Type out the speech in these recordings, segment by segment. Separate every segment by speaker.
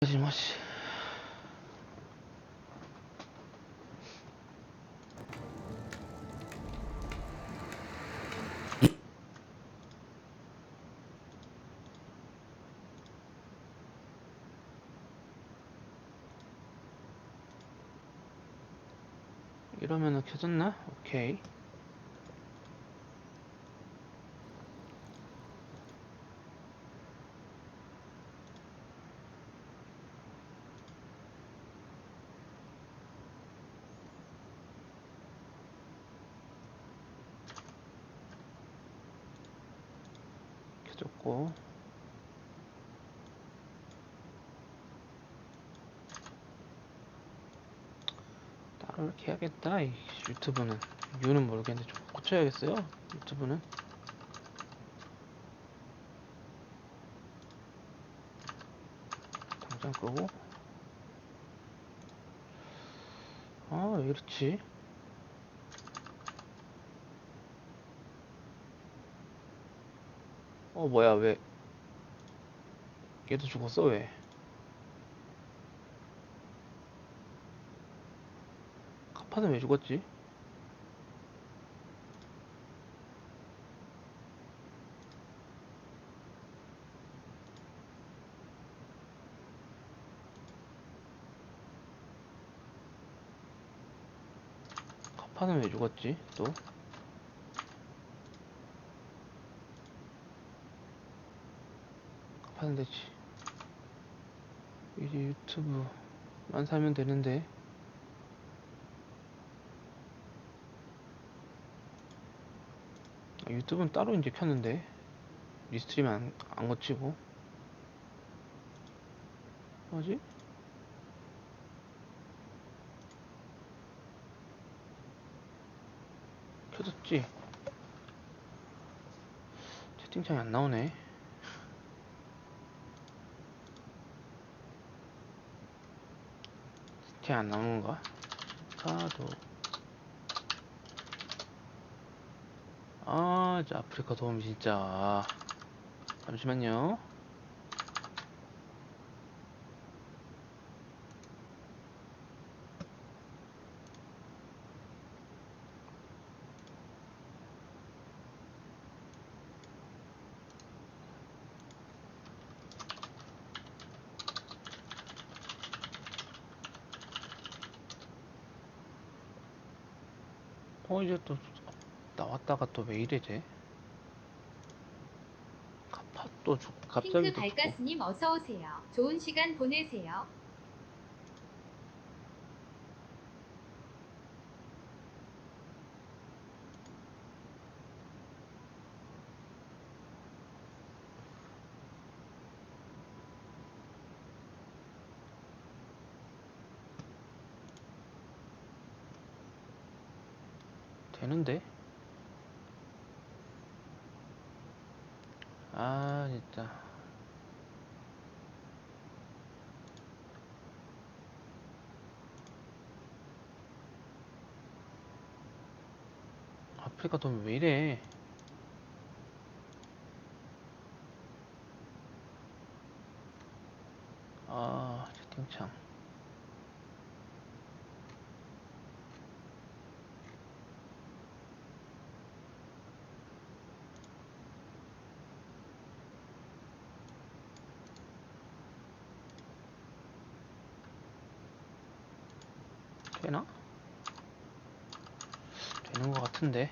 Speaker 1: 마시. 이러면은 켜졌나? 오케이. 켜졌고. 따로 이렇게 해야겠다. 이 유튜브는. 유는 모르겠는데 좀 고쳐야겠어요. 유튜브는. 당장 끄고. 아, 왜 이렇지? 뭐야, 왜. 얘도 죽었어, 왜? 카파는 왜 죽었지? 카파는 왜 죽었지? 또? 카파는 되지. 이제 유튜브만 살면 되는데. 유튜브는 따로 이제 켰는데. 리스트림 안 거치고. 뭐지? 켜졌지? 채팅창이 안 나오네. 채팅 안 나오는 건가? 카도. 저 아프리카 도움 진짜. 잠시만요. 이제 또 나왔다가 또 왜 이래지? 카파 또 갑자기
Speaker 2: 핑크 발가스님 어서 오세요. 좋은 시간 보내세요.
Speaker 1: 되는데? 진짜. 아프리카 도움 왜 이래? 채팅창. 되나? 되는 것 같은데.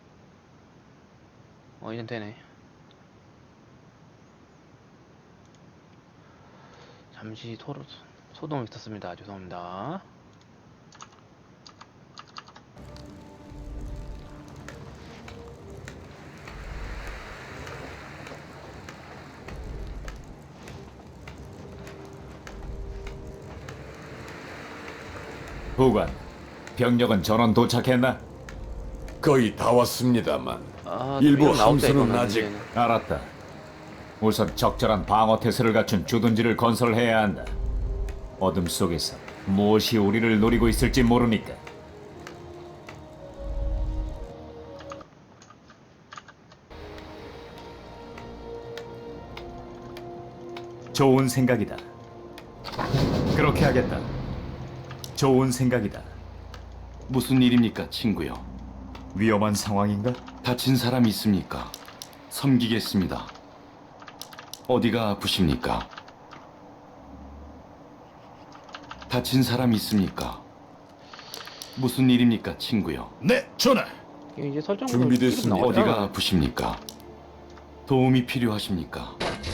Speaker 1: 이젠 되네. 잠시 소동이 있었습니다. 죄송합니다.
Speaker 3: 부관, 병력은 전원 도착했나?
Speaker 4: 거의 다 왔습니다만
Speaker 1: 또
Speaker 4: 일부
Speaker 1: 이거 나올 때
Speaker 4: 함선은
Speaker 1: 이거는
Speaker 4: 아직
Speaker 1: 이제는.
Speaker 3: 알았다. 우선 적절한 방어 태세를 갖춘 주둔지를 건설해야 한다. 어둠 속에서 무엇이 우리를 노리고 있을지 모르니까. 좋은 생각이다. 그렇게 하겠다. 좋은 생각이다.
Speaker 5: 무슨 일입니까, 친구요?
Speaker 3: 위험한 상황인가?
Speaker 5: 다친 사람 있습니까? 섬기겠습니다. 어디가 아프십니까? 다친 사람 있습니까? 무슨 일입니까, 친구요?
Speaker 4: 네, 전하.
Speaker 1: 이게 이제 설정
Speaker 4: 준비됐습니다.
Speaker 5: 어디가 아프십니까? 도움이 필요하십니까?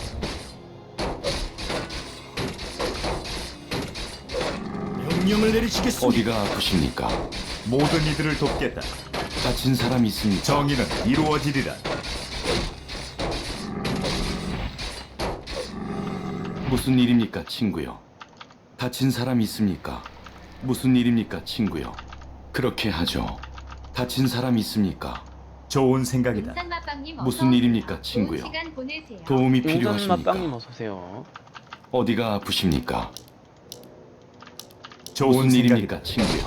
Speaker 4: 명령을 내리시겠습니다.
Speaker 5: 어디가 아프십니까?
Speaker 3: 모든 이들을 돕겠다.
Speaker 5: 다친 사람 있습니까?
Speaker 3: 정의는 이루어지리라.
Speaker 5: 무슨 일입니까, 친구요? 다친 사람 있습니까? 무슨 일입니까, 친구요? 그렇게 하죠. 다친 사람 있습니까?
Speaker 3: 좋은 생각이다.
Speaker 2: 인산맛빵님 어서
Speaker 5: 무슨
Speaker 2: 오세요.
Speaker 5: 일입니까, 친구요?
Speaker 2: 좋은 시간 보내세요.
Speaker 5: 도움이
Speaker 1: 용산
Speaker 5: 필요하십니까?
Speaker 1: 맛빵님 어서오세요.
Speaker 5: 어디가 아프십니까?
Speaker 3: 좋은
Speaker 5: 무슨
Speaker 3: 생각이다.
Speaker 5: 일입니까, 친구요?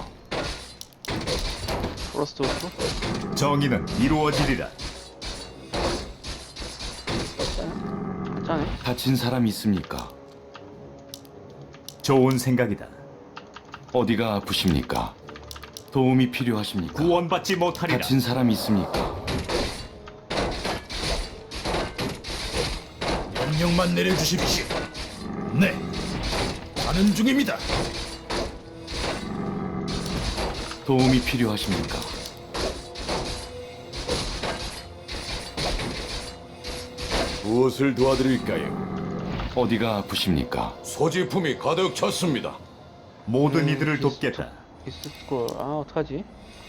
Speaker 1: 플러스 오프.
Speaker 3: 정의는 이루어지리라.
Speaker 1: 괜찮네.
Speaker 5: 다친 사람 있습니까?
Speaker 3: 좋은 생각이다.
Speaker 5: 어디가 아프십니까? 도움이 필요하십니까?
Speaker 3: 구원받지 못하리라.
Speaker 5: 다친 사람 있습니까?
Speaker 4: 명령만 내려주십시오. 네, 가는 중입니다.
Speaker 5: 도움이 필요하십니까?
Speaker 4: 무엇을 도와드릴까요?
Speaker 5: 어디가 아프십니까?
Speaker 4: 소지품이 가득 찼습니다.
Speaker 3: 모든 이들을 돕겠다.
Speaker 1: 디스콜. 아 어떡하지?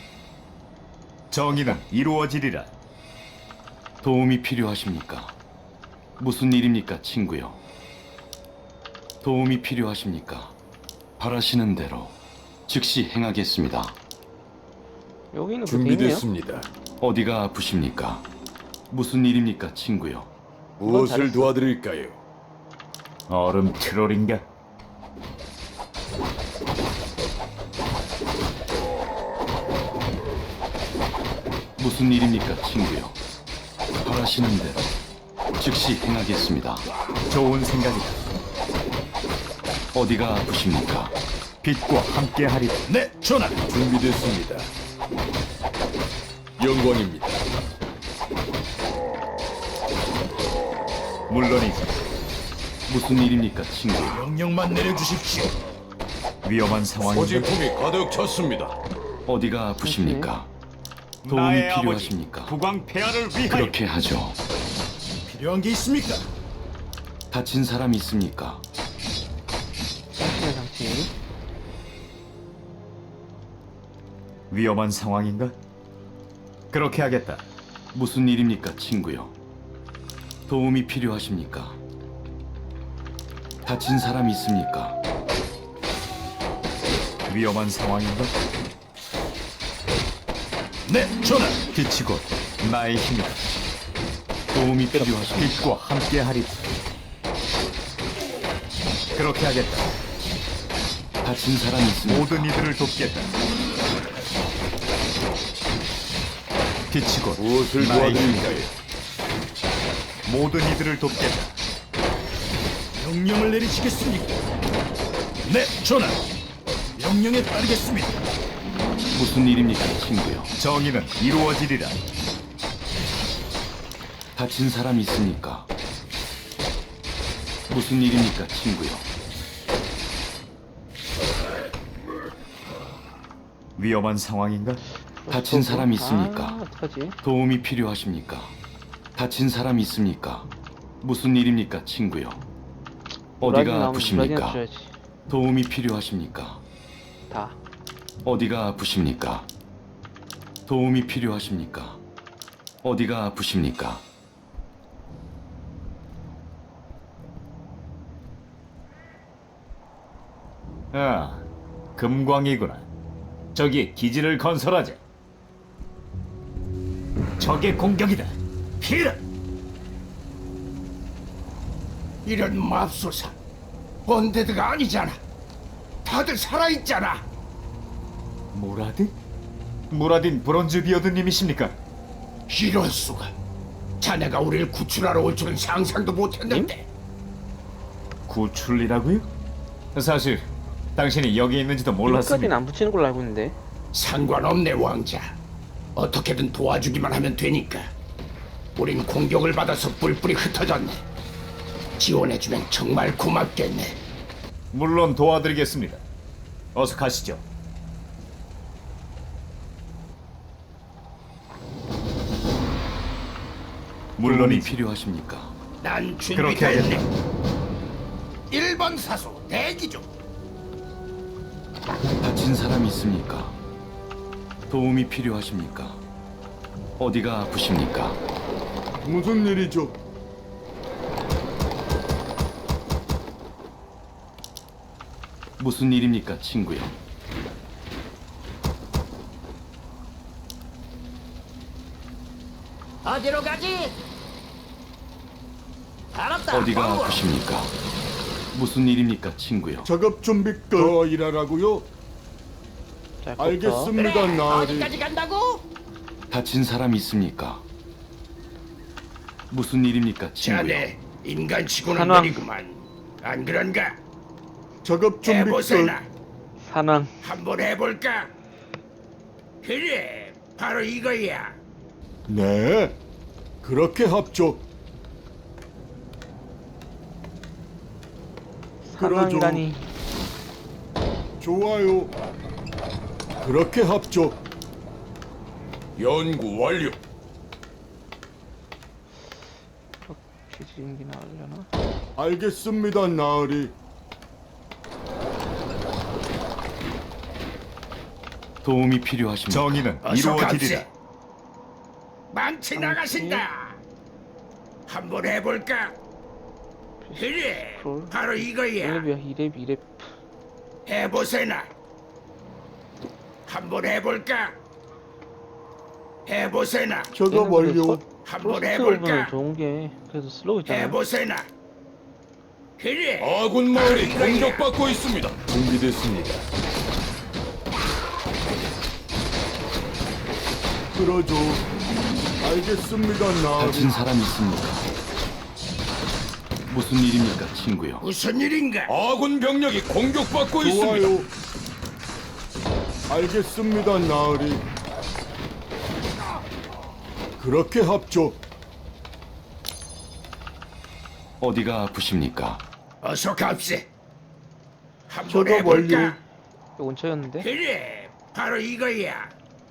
Speaker 3: 정의는 이루어지리라.
Speaker 5: 도움이 필요하십니까? 무슨 일입니까, 친구요? 도움이 필요하십니까? 바라시는 대로 즉시 행하겠습니다.
Speaker 1: 여기는 그 돼 있네요.
Speaker 4: 준비됐습니다.
Speaker 5: 어디가 아프십니까? 무슨 일입니까, 친구요?
Speaker 4: 무엇을
Speaker 1: 잘했어.
Speaker 4: 도와드릴까요?
Speaker 3: 얼음 트롤인가?
Speaker 5: 무슨 일입니까, 친구요? 바라시는 대로 즉시 행하겠습니다.
Speaker 3: 좋은 생각이다.
Speaker 5: 어디가 아프십니까?
Speaker 3: 빛과 함께하리라.
Speaker 4: 네, 전하. 준비됐습니다. 영광입니다.
Speaker 3: 물론이지.
Speaker 5: 무슨 일입니까, 친구요?
Speaker 4: 명령만 내려주십시오.
Speaker 3: 위험한 상황인가?
Speaker 4: 소지품이 가득 찼습니다.
Speaker 5: 어디가 아프십니까? 도움이
Speaker 3: 나의
Speaker 5: 필요하십니까?
Speaker 3: 아버지 국왕 폐하를 위하여.
Speaker 5: 그렇게 하죠.
Speaker 4: 필요한 게 있습니까?
Speaker 5: 다친 사람 있습니까?
Speaker 1: 장치네 장치.
Speaker 3: 위험한 상황인가? 그렇게 하겠다.
Speaker 5: 무슨 일입니까, 친구요? 도움이 필요하십니까? 다친 사람 있습니까?
Speaker 3: 위험한 상황인가?
Speaker 4: 네, 전하.
Speaker 3: 빛이 곧 나의 힘이다.
Speaker 5: 도움이 필요하십니까?
Speaker 3: 빛과 함께하리라. 그렇게 하겠다.
Speaker 5: 다친 사람 있습니까?
Speaker 3: 모든 이들을 돕겠다. 빛이 곧
Speaker 4: 무엇을
Speaker 3: 나의
Speaker 4: 도와드릴까요?
Speaker 3: 모든 이들을 돕겠다.
Speaker 4: 명령을 내리시겠습니까? 네, 전하. 명령에 따르겠습니다.
Speaker 5: 무슨 일입니까, 친구요?
Speaker 3: 정의는 이루어지리라.
Speaker 5: 다친 사람 있습니까? 무슨 일입니까, 친구요?
Speaker 3: 위험한 상황인가?
Speaker 5: 다친 사람 있습니까?
Speaker 1: 아 어떡하지?
Speaker 5: 도움이 필요하십니까? 다친 사람 있습니까? 무슨 일입니까, 친구요?
Speaker 1: 브라질
Speaker 5: 어디가
Speaker 1: 나오면
Speaker 5: 아프십니까?
Speaker 1: 브라질 줘야지.
Speaker 5: 도움이 필요하십니까?
Speaker 1: 다.
Speaker 5: 어디가 아프십니까? 도움이 필요하십니까? 어디가 아프십니까?
Speaker 3: 아, 금광이구나. 저기 기지를 건설하자. 적의 공격이다. 피라!
Speaker 6: 이런 맙소사 언데드가 아니잖아. 다들 살아있잖아.
Speaker 3: 무라딘? 무라딘 브론즈 비어드님이십니까?
Speaker 6: 이럴 수가. 자네가 우리를 구출하러 올 줄은 상상도 못했는데.
Speaker 3: 구출이라고요? 사실 당신이 여기 있는지도
Speaker 1: 여기까지는
Speaker 3: 몰랐습니다.
Speaker 1: 안 붙이는 걸로 알고 있는데.
Speaker 6: 상관없네 왕자. 어떻게든 도와주기만 하면 되니까. 우린 공격을 받아서 뿔뿔이 흩어졌네. 지원해주면 정말 고맙겠네.
Speaker 3: 물론 도와드리겠습니다. 어서 가시죠.
Speaker 5: 도움이
Speaker 3: 물론이지.
Speaker 5: 필요하십니까?
Speaker 6: 난
Speaker 3: 그렇게
Speaker 6: 준비됐네. 1번 사수 대기 중.
Speaker 5: 다친 사람 있습니까? 도움이 필요하십니까? 어디가 아프십니까?
Speaker 4: 무슨 일이죠?
Speaker 5: 무슨 일입니까, 친구요?
Speaker 7: 어디로 가지? 알았다.
Speaker 5: 어디가
Speaker 7: 광고.
Speaker 5: 아프십니까? 무슨 일입니까, 친구요?
Speaker 4: 작업 준비 끝. 더 일하라고요?
Speaker 1: 자, kop터.
Speaker 4: 알겠습니다,
Speaker 7: 그래,
Speaker 4: 나으리.
Speaker 7: 어디까지 간다고?
Speaker 5: 다친 사람 있습니까? 무슨 일입니까, 친구요?
Speaker 6: 자네 인간치고는
Speaker 1: 산왕.
Speaker 6: 느리구만. 안 그런가?
Speaker 4: 작업 준비 끝.
Speaker 6: 해보세나.
Speaker 1: 산왕.
Speaker 6: 한번 해볼까? 그래, 바로 이거야.
Speaker 4: 네. 그렇게 합죠.
Speaker 1: 산왕이라니.
Speaker 4: 좋아요. 그렇게 합죠.
Speaker 6: 연구 완료.
Speaker 1: 비행기 나오려나?
Speaker 4: 알겠습니다, 나으리.
Speaker 5: 도움이 필요하십니까?
Speaker 3: 정의는
Speaker 6: 어서
Speaker 3: 이루어지리라.
Speaker 6: 감세. 망치 나가신다. 한번 해볼까? 그래,
Speaker 1: 롤.
Speaker 6: 바로 이거야.
Speaker 1: 1렙이야 2렙.
Speaker 6: 해보세나. 한번 해볼까? 해보세나.
Speaker 4: 작업 완료.
Speaker 6: 한번
Speaker 1: 프로스트 오븐은
Speaker 6: 해볼까?
Speaker 1: 좋은 게 그래도 슬로우 있잖아.
Speaker 6: 해보세나. 그래.
Speaker 4: 아군 마을이
Speaker 6: 바로 이거야.
Speaker 4: 공격받고 있습니다. 준비됐습니다. 그러죠. 알겠습니다, 나으리.
Speaker 5: 다친 사람 있습니까? 무슨 일입니까, 친구요?
Speaker 6: 무슨 일인가?
Speaker 4: 아군 병력이 공격받고 있습니다. 알겠습니다, 나으리. 그렇게 합죠.
Speaker 5: 어디가 아프십니까?
Speaker 6: 어서 갑세. 한번
Speaker 4: 작업
Speaker 6: 해볼까?
Speaker 4: 완료.
Speaker 1: 이거 원처였는데.
Speaker 6: 그래, 바로 이거야.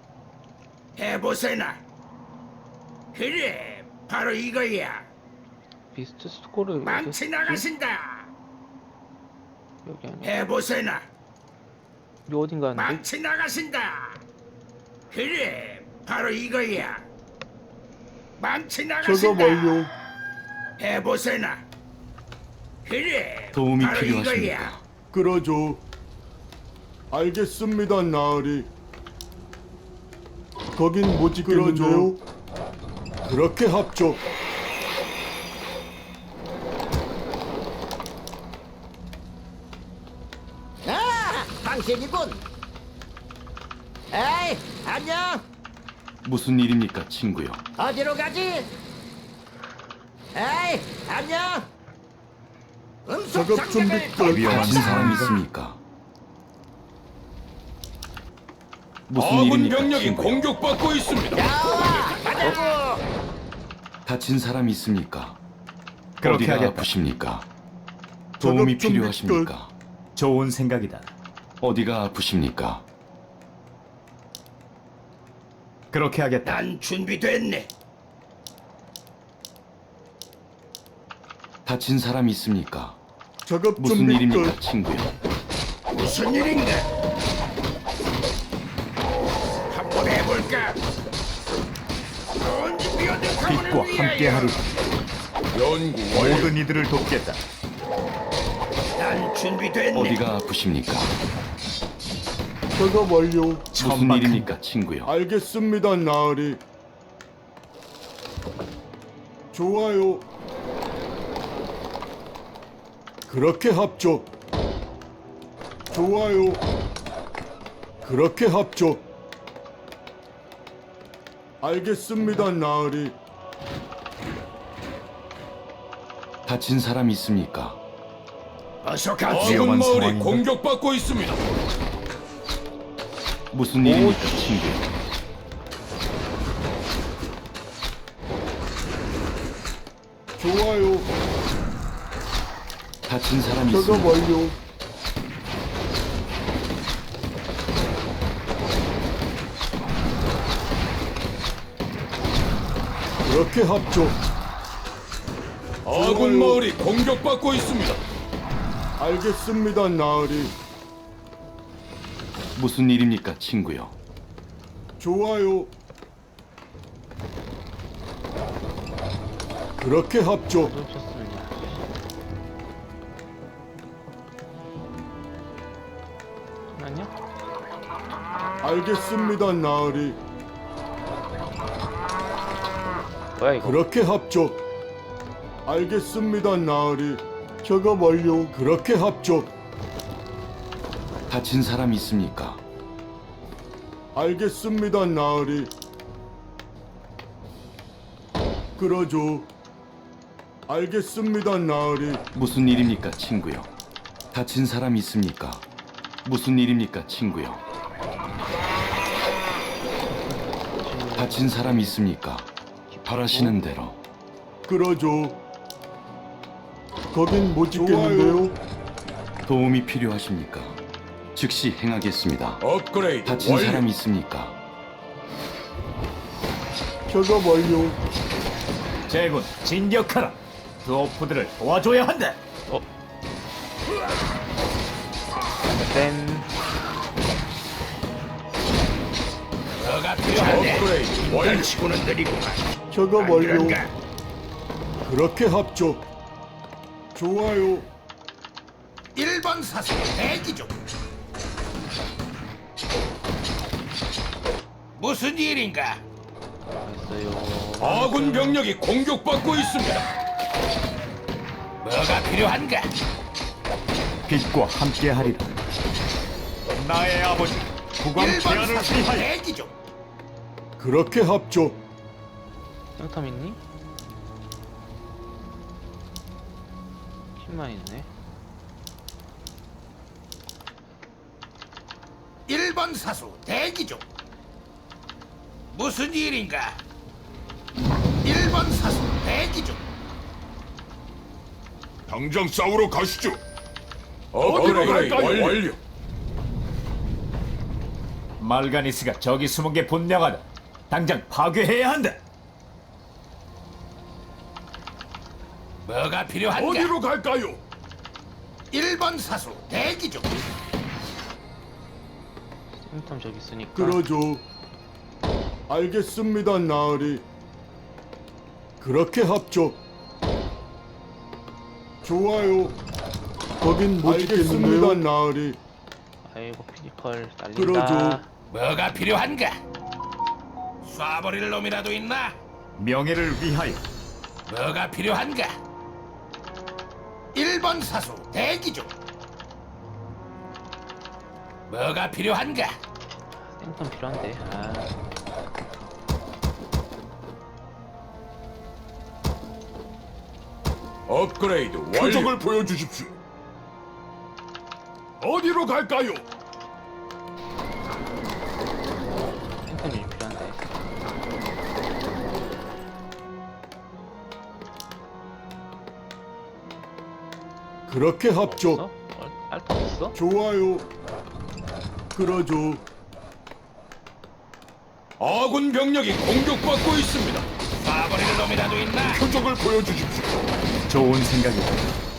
Speaker 6: 해보세나. 그래, 바로 이거야.
Speaker 1: 비스트 스코를
Speaker 6: 망치 나가신다.
Speaker 1: 여기 아니야.
Speaker 6: 해보세나.
Speaker 1: 이 어딘가 하는데.
Speaker 6: 망치 나가신다. 그래, 바로 이거야. 망치
Speaker 4: 작업
Speaker 6: 나가신다.
Speaker 4: 완료.
Speaker 6: 해보세나. 그래,
Speaker 5: 도움이
Speaker 6: 바로
Speaker 5: 필요하십니까?
Speaker 6: 이거야.
Speaker 4: 그러죠. 알겠습니다, 나으리. 거긴 못 지켰는데요. 그렇게 합죠.
Speaker 7: 아, 당신이군. 에이, 안녕.
Speaker 5: 무슨 일입니까, 친구요?
Speaker 7: 어디로 가지? 에이, 안녕. 음속
Speaker 4: 작업 준비
Speaker 7: 장벽을
Speaker 4: 끝.
Speaker 3: 위험한
Speaker 5: 다친 사람
Speaker 3: 상황이다.
Speaker 5: 있습니까? 무슨
Speaker 4: 아군
Speaker 5: 일입니까,
Speaker 4: 병력이
Speaker 5: 친구요?
Speaker 4: 공격받고 있습니다.
Speaker 7: 나와, 가자고.
Speaker 5: 다친 사람 있습니까?
Speaker 3: 그렇게
Speaker 5: 어디가
Speaker 3: 하겠다.
Speaker 5: 아프십니까? 도움이
Speaker 4: 작업 준비
Speaker 5: 필요하십니까?
Speaker 3: 좋은 생각이다.
Speaker 5: 어디가 아프십니까?
Speaker 3: 그렇게 하겠다.
Speaker 6: 난 준비됐네.
Speaker 5: 다친 사람 있습니까?
Speaker 4: 작업
Speaker 5: 무슨
Speaker 4: 준비
Speaker 5: 일입니까,
Speaker 4: 끝.
Speaker 5: 친구요?
Speaker 6: 무슨 일인가? 한번 해볼까? 언제
Speaker 3: 빛과 함께하리라.
Speaker 6: 연구
Speaker 3: 모든 이들을 돕겠다.
Speaker 6: 난 준비됐네.
Speaker 5: 어디가 아프십니까?
Speaker 4: 작업 완료.
Speaker 5: 무슨
Speaker 3: 천박한
Speaker 5: 일입니까, 친구요?
Speaker 4: 알겠습니다, 나으리. 좋아요. 그렇게 합죠. 좋아요. 그렇게 합죠. 알겠습니다, 나으리.
Speaker 5: 다친 사람 있습니까?
Speaker 6: 어서 갑시다.
Speaker 3: 위험한
Speaker 6: 마을이
Speaker 3: 상황인가?
Speaker 6: 공격받고 있습니다.
Speaker 5: 무슨 일입니까, 친구?
Speaker 4: 좋아요.
Speaker 5: 다친 사람이
Speaker 4: 작업
Speaker 5: 있습니까?
Speaker 4: 완료. 그렇게 합죠.
Speaker 6: 아군 마을이 공격받고 있습니다.
Speaker 4: 알겠습니다, 나으리.
Speaker 5: 무슨 일입니까, 친구요?
Speaker 4: 좋아요. 그렇게 합죠.
Speaker 1: 놓쳤습니다. 잠깐만요.
Speaker 4: 알겠습니다, 나으리.
Speaker 1: 뭐야 이거?
Speaker 4: 그렇게 합죠. 알겠습니다, 나으리. 작업 완료. 그렇게 합죠.
Speaker 5: 다친 사람이 있습니까?
Speaker 4: 알겠습니다, 나으리. 그러죠. 알겠습니다, 나으리.
Speaker 5: 무슨 일입니까, 친구요? 다친 사람이 있습니까? 무슨 일입니까, 친구요? 다친 사람이 있습니까? 바라시는 대로.
Speaker 4: 그러죠. 거긴 못 짓겠는데요.
Speaker 5: 도움이 필요하십니까? 즉시 행하겠습니다.
Speaker 6: 업그레이드
Speaker 5: 다친
Speaker 6: 완료.
Speaker 5: 사람이 있습니까?
Speaker 4: 작업 완료.
Speaker 3: 제군 진격하라. 드워프들을 도와줘야 한다.
Speaker 1: 땐
Speaker 6: 너가 필요한데. 업그레이드 완료. 치고는 느리구만.
Speaker 4: 작업
Speaker 6: 안
Speaker 4: 완료.
Speaker 6: 그런가?
Speaker 4: 그렇게 합죠. 좋아요.
Speaker 6: 1번 사수 대기 중. 무슨 일인가?
Speaker 1: 됐어요.
Speaker 6: 아군 병력이 공격받고 있습니다. 뭐가 필요한가?
Speaker 3: 빛과 함께하리라. 나의 아버지 국왕
Speaker 6: 1번
Speaker 3: 제안을
Speaker 6: 사수
Speaker 3: 위하여.
Speaker 6: 대기 중.
Speaker 4: 그렇게 합죠.
Speaker 1: 짱탐 있니? 힘만 있네.
Speaker 6: 1번 사수 대기 중. 무슨 일인가? 1번 사수 대기 중.
Speaker 4: 당장 싸우러 가시죠.
Speaker 6: 어디로 갈까요? 완료.
Speaker 3: 말가니스가 저기 숨은 게 분명하다. 당장 파괴해야 한다.
Speaker 6: 뭐가 필요한가?
Speaker 4: 갈까요?
Speaker 6: 1번 사수 대기 중.
Speaker 1: 짱탐 저기 있으니까.
Speaker 4: 그러죠. 알겠습니다, 나으리. 그렇게 합죠. 좋아요. 거긴 못 짓겠는데요. 나으리.
Speaker 1: 아이고 피지컬 날린다.
Speaker 4: 그러죠.
Speaker 6: 뭐가 필요한가? 쏴버릴 놈이라도 있나?
Speaker 3: 명예를 위하여.
Speaker 6: 뭐가 필요한가? 1번 사수 대기 중. 뭐가 필요한가?
Speaker 1: 짱탐 필요한데. 아.
Speaker 6: 업그레이드
Speaker 4: 표적을 보여주십시오. 어디로 갈까요?
Speaker 1: 짱탐이 필요한데.
Speaker 4: 그렇게 합죠.
Speaker 1: 없어? 알파 없어?
Speaker 4: 좋아요. 그러죠.
Speaker 6: 아군 병력이 공격받고 있습니다. 쏴버릴 놈이라도 있나?
Speaker 4: 표적을 보여주십시오.
Speaker 3: 좋은 생각이다.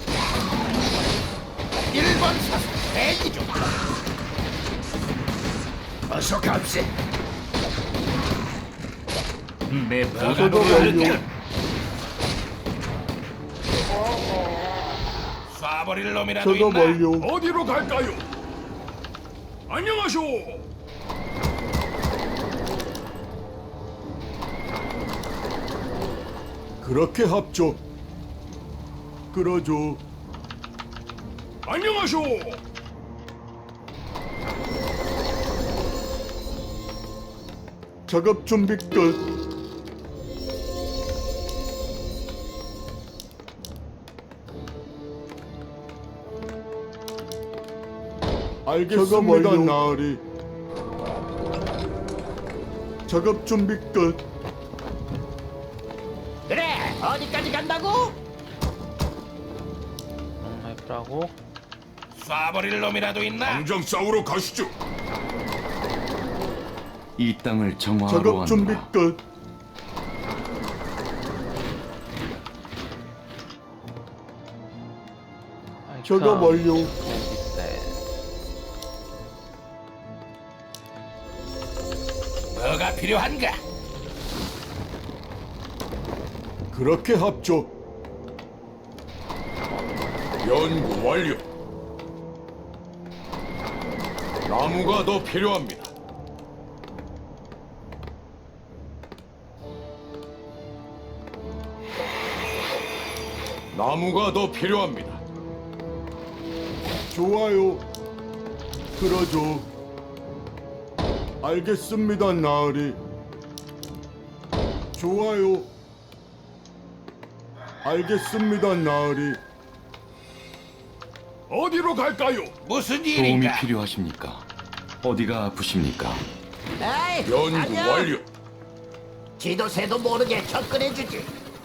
Speaker 6: 1번 사수 대기 중. 어서 갑세.
Speaker 3: 내
Speaker 6: 뭐가
Speaker 4: 저도
Speaker 6: 필요한가?
Speaker 4: 완료.
Speaker 6: 쏴버릴 놈이라도
Speaker 4: 작업
Speaker 6: 있나?
Speaker 4: 완료.
Speaker 6: 어디로 갈까요? 안녕하쇼.
Speaker 4: 그렇게 합죠. 그러죠.
Speaker 6: 안녕하쇼.
Speaker 4: 작업 준비 끝. 알겠습니다, 나으리. 작업 준비 끝.
Speaker 7: 그래, 어디까지 간다고?
Speaker 1: 롱라이프라고.
Speaker 6: 쏴버릴 놈이라도 있나?
Speaker 4: 당장 싸우러 가시죠.
Speaker 5: 이 땅을 정화하러
Speaker 4: 작업 준비
Speaker 5: 왔노라.
Speaker 4: 끝. 작업 완료.
Speaker 6: 뭐가 필요한가?
Speaker 4: 그렇게 합죠. 연구 완료. 나무가 더 필요합니다. 나무가 더 필요합니다. 좋아요. 그러죠. 알겠습니다, 나으리. 좋아요. 알겠습니다, 나으리. 어디로 갈까요?
Speaker 6: 무슨
Speaker 5: 도움이
Speaker 6: 일인가?
Speaker 5: 필요하십니까? 어디가 아프십니까?
Speaker 7: 에이,
Speaker 4: 연구
Speaker 7: 안녕.
Speaker 4: 완료.
Speaker 7: 지도새도 모르게 접근해주지.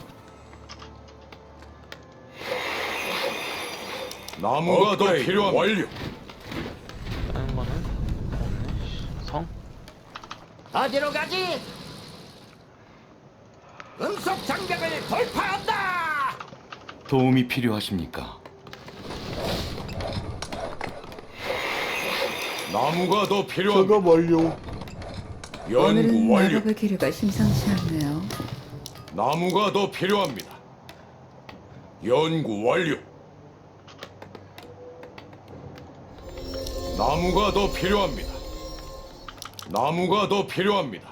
Speaker 4: 나무가 더 필요합니다. 완료.
Speaker 1: 다른 거는 없네. 성.
Speaker 7: 어디로 가지? 음속 장벽을 돌파한다.
Speaker 5: 도움이 필요하십니까?
Speaker 4: 나무가 더 필요합니다. 작업 완료.
Speaker 8: 오늘은
Speaker 4: 연구 완료.
Speaker 8: 마법의 기류가 심상치 않네요.
Speaker 4: 나무가 더 필요합니다. 연구 완료. 나무가 더 필요합니다. 나무가 더 필요합니다.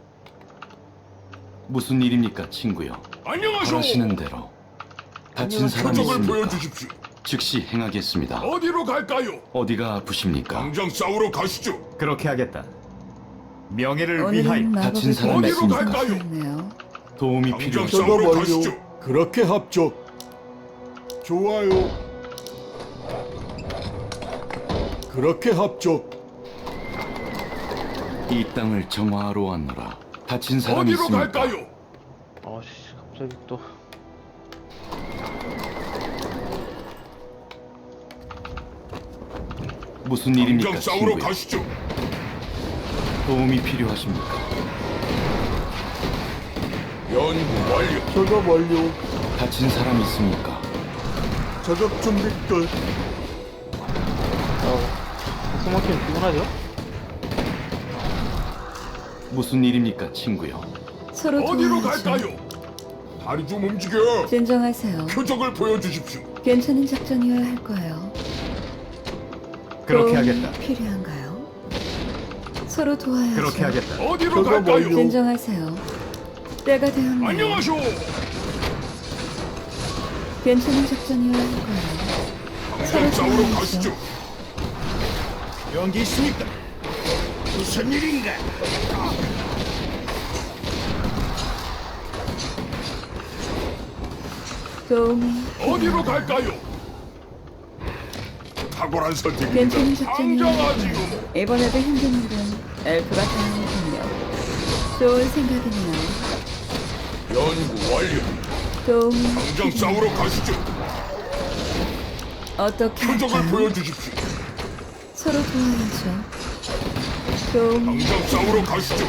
Speaker 5: 무슨 일입니까, 친구요? 바라시는 대로. 다친 사람 있습니까?
Speaker 4: 보여주십시오.
Speaker 5: 즉시 행하겠습니다.
Speaker 4: 어디로 갈까요?
Speaker 5: 어디가 아프십니까?
Speaker 4: 당장 싸우러 가시죠.
Speaker 3: 그렇게 하겠다. 명예를
Speaker 8: 오늘은 마법의
Speaker 5: 다친 사람
Speaker 8: 기류가
Speaker 4: 어디로
Speaker 8: 심상치
Speaker 4: 갈까요?
Speaker 8: 않네요.
Speaker 5: 도움이
Speaker 4: 당장
Speaker 5: 필요하십니까?
Speaker 4: 싸우러 가시죠. 그렇게 합죠. 좋아요. 그렇게 합죠.
Speaker 5: 이 땅을 정화하러 왔노라. 다친 사람 있습니까?
Speaker 1: 어씨 갑자기 또.
Speaker 5: 무슨 일입니까,
Speaker 4: 당장 싸우러
Speaker 5: 친구요?
Speaker 4: 가시죠.
Speaker 5: 도움이 필요하십니까?
Speaker 4: 연구 완료. 작업 완료.
Speaker 5: 다친 사람 있습니까?
Speaker 4: 작업 준비 끝.
Speaker 1: 숨막히면 피곤하죠?
Speaker 5: 무슨 일입니까, 친구요?
Speaker 8: 서로
Speaker 4: 어디로
Speaker 8: 도와야죠.
Speaker 4: 갈까요? 다리 좀 움직여.
Speaker 8: 진정하세요.
Speaker 4: 표적을 보여주십시오.
Speaker 8: 괜찮은 작전이어야 할 거예요.
Speaker 3: 그렇게
Speaker 8: 도움이
Speaker 3: 하겠다.
Speaker 8: 필요한가요? 서로 도와야죠.
Speaker 3: 그렇게 하겠다.
Speaker 4: 어디로 갈까요?
Speaker 8: 진정하세요. 때가 되었네요.
Speaker 4: 안녕하쇼.
Speaker 8: 괜찮은 작전이어야 할 거예요.
Speaker 4: 당장 싸우러
Speaker 8: 도와야죠.
Speaker 4: 가시죠.
Speaker 6: 연기 있습니까? 무슨 일인가?
Speaker 8: 도움이
Speaker 4: 어디로 갈까요? 탁월한 선택입니다.
Speaker 8: 괜찮은 작전이어야 할
Speaker 4: 당장하지요.
Speaker 8: 거예요. 이번에도 힘든 일은 엘프가 당하는군요. 좋은 생각이네요.
Speaker 4: 연구 완료.
Speaker 8: 도움이
Speaker 4: 당장 싸우러 가시죠.
Speaker 8: 어떻게
Speaker 4: 표적을
Speaker 8: 할까요?
Speaker 4: 보여주십시오.
Speaker 8: 서로 도와야죠. 도움이
Speaker 4: 당장 싸우러 가시죠.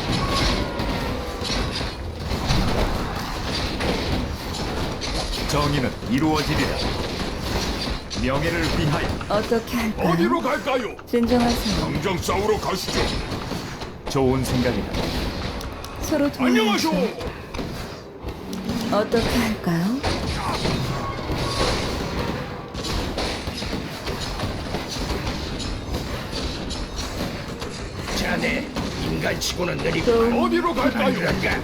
Speaker 3: 정의는 이루어지리라. 명예를 위하여.
Speaker 8: 어떻게 할까요?
Speaker 4: 어디로 갈까요?
Speaker 8: 진정하세요.
Speaker 4: 당장 싸우러 가시죠.
Speaker 3: 좋은 생각이다.
Speaker 8: 서로
Speaker 4: 안녕하쇼.
Speaker 8: 도와야죠. 어떻게 할까요?
Speaker 6: 자네 인간치고는 느리고
Speaker 8: 도움이
Speaker 4: 어디로 갈까요?
Speaker 6: 그런가?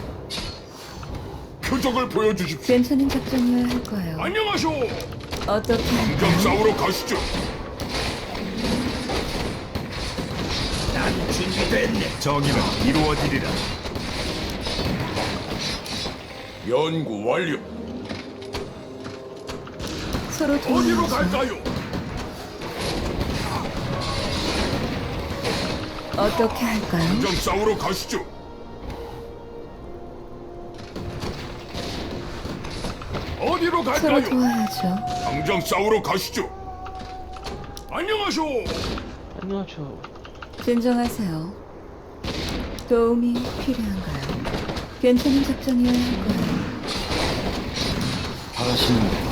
Speaker 4: 표적을 보여주십시오.
Speaker 8: 괜찮은 작전이어야 할 거예요.
Speaker 4: 안녕하쇼.
Speaker 8: 어떻게
Speaker 4: 당장
Speaker 8: 할까요?
Speaker 4: 싸우러 가시죠.
Speaker 6: 난 준비됐네.
Speaker 3: 정의는 이루어지리라.
Speaker 4: 연구 완료.
Speaker 8: 서로
Speaker 4: 어디로
Speaker 8: 도와야죠.
Speaker 4: 갈까요?
Speaker 8: 어떻게 할까요?
Speaker 4: 당장 싸우러 가시죠. 어디로
Speaker 8: 서로
Speaker 4: 갈까요?
Speaker 8: 도와야죠.
Speaker 4: 당장 싸우러 가시죠. 안녕하쇼.
Speaker 1: 안녕하죠.
Speaker 8: 진정하세요. 도움이 필요한가요? 괜찮은 작전이어야 할 거예요.
Speaker 5: 바라시는 대로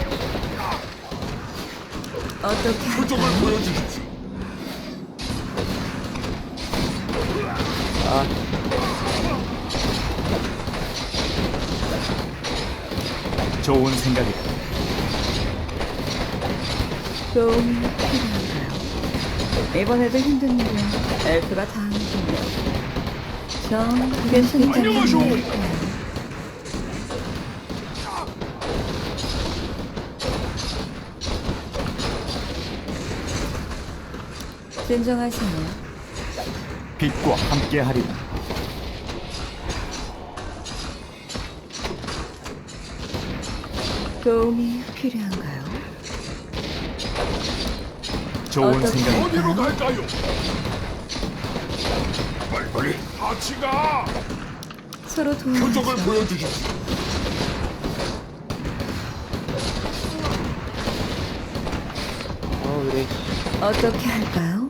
Speaker 8: 어떻게
Speaker 4: 표적을
Speaker 8: 할까요?
Speaker 4: 보여주십시오.
Speaker 3: 좋은 생각이다.
Speaker 8: 도움이 필요한가요? 이번에도 힘든 일은 엘프가 다 하는군요. 전 괜찮은
Speaker 4: 안녕하쇼.
Speaker 8: 작전이어야 할 거예요. 진정하세요.
Speaker 3: 빛과 함께하리라.
Speaker 8: 도움이 필요한가요?
Speaker 3: 좋은
Speaker 8: 어떻게
Speaker 3: 생각.
Speaker 4: 어디로 갈까요? 빨리 같이 가.
Speaker 8: 서로
Speaker 4: 표적을
Speaker 8: 도와야죠.
Speaker 4: 보여주십시오.
Speaker 1: 그래.
Speaker 8: 어떻게 할까요?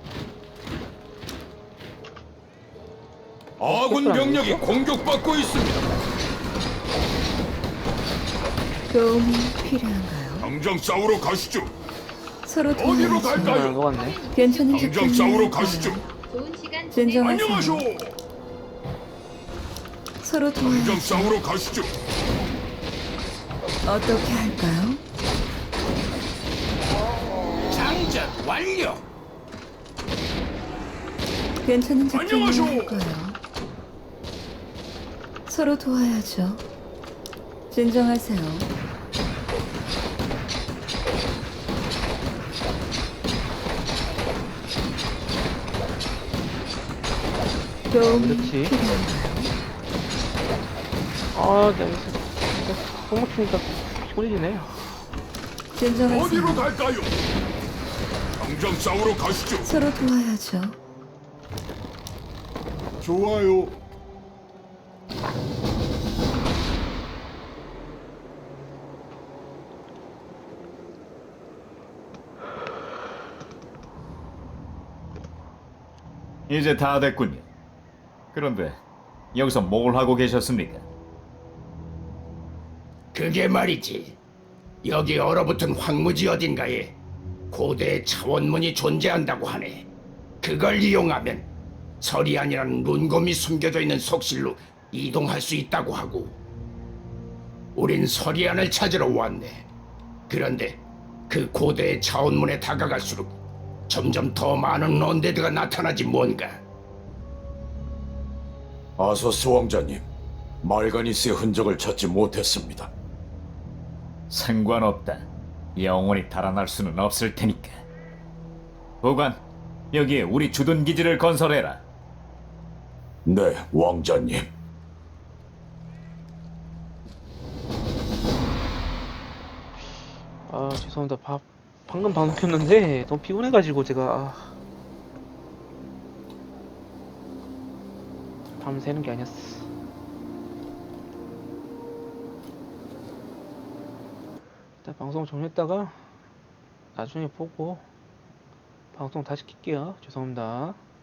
Speaker 4: 아군 병력이 공격받고 있습니다.
Speaker 8: 도움이 필요한가요?
Speaker 4: 당장 싸우러 가시죠.
Speaker 8: 서로
Speaker 4: 어디로
Speaker 8: 도와야죠.
Speaker 4: 갈까요?
Speaker 1: 녹았네.
Speaker 8: 괜찮은
Speaker 4: 당장
Speaker 8: 작전이어야
Speaker 4: 싸우러
Speaker 8: 할
Speaker 4: 가시죠.
Speaker 8: 거예요.
Speaker 2: 좋은 시간
Speaker 8: 진정하세요.
Speaker 4: 안녕하쇼.
Speaker 8: 서로
Speaker 4: 당장
Speaker 8: 도와야죠.
Speaker 4: 싸우러 가시죠.
Speaker 8: 어떻게 할까요?
Speaker 6: 장전 완료.
Speaker 8: 괜찮은 작전이어야
Speaker 4: 안녕하쇼.
Speaker 8: 할 거예요. 서로 도와야죠. 진정하세요. 도움이
Speaker 1: 그렇지.
Speaker 8: 필요한가요?
Speaker 1: 내가 똥 맞추니까 피곤해지네.
Speaker 8: 진정하세요.
Speaker 4: 어디로 갈까요? 당장 싸우러 가시죠.
Speaker 8: 서로 도와야죠.
Speaker 4: 좋아요.
Speaker 3: 이제 다 됐군요. 그런데 여기서 뭘 하고 계셨습니까?
Speaker 6: 그게 말이지. 여기 얼어붙은 황무지 어딘가에 고대 차원문이 존재한다고 하네. 그걸 이용하면 서리안이라는 룬곰이 숨겨져 있는 속실로 이동할 수 있다고 하고. 우린 서리안을 찾으러 왔네. 그런데 그 고대의 차원문에 다가갈수록 점점 더 많은 언데드가 나타나지 뭔가.
Speaker 4: 아서스 왕자님, 말가니스의 흔적을 찾지 못했습니다.
Speaker 3: 상관없다. 영원히 달아날 수는 없을 테니까. 보관, 여기에 우리 주둔 기지를 건설해라.
Speaker 4: 네, 왕자님.
Speaker 1: 죄송합니다. 방금 방송 켰는데 너무 피곤해가지고 제가 밤 새는 게 아니었어. 일단 방송 종료했다가 나중에 보고 방송 다시 킬게요. 죄송합니다.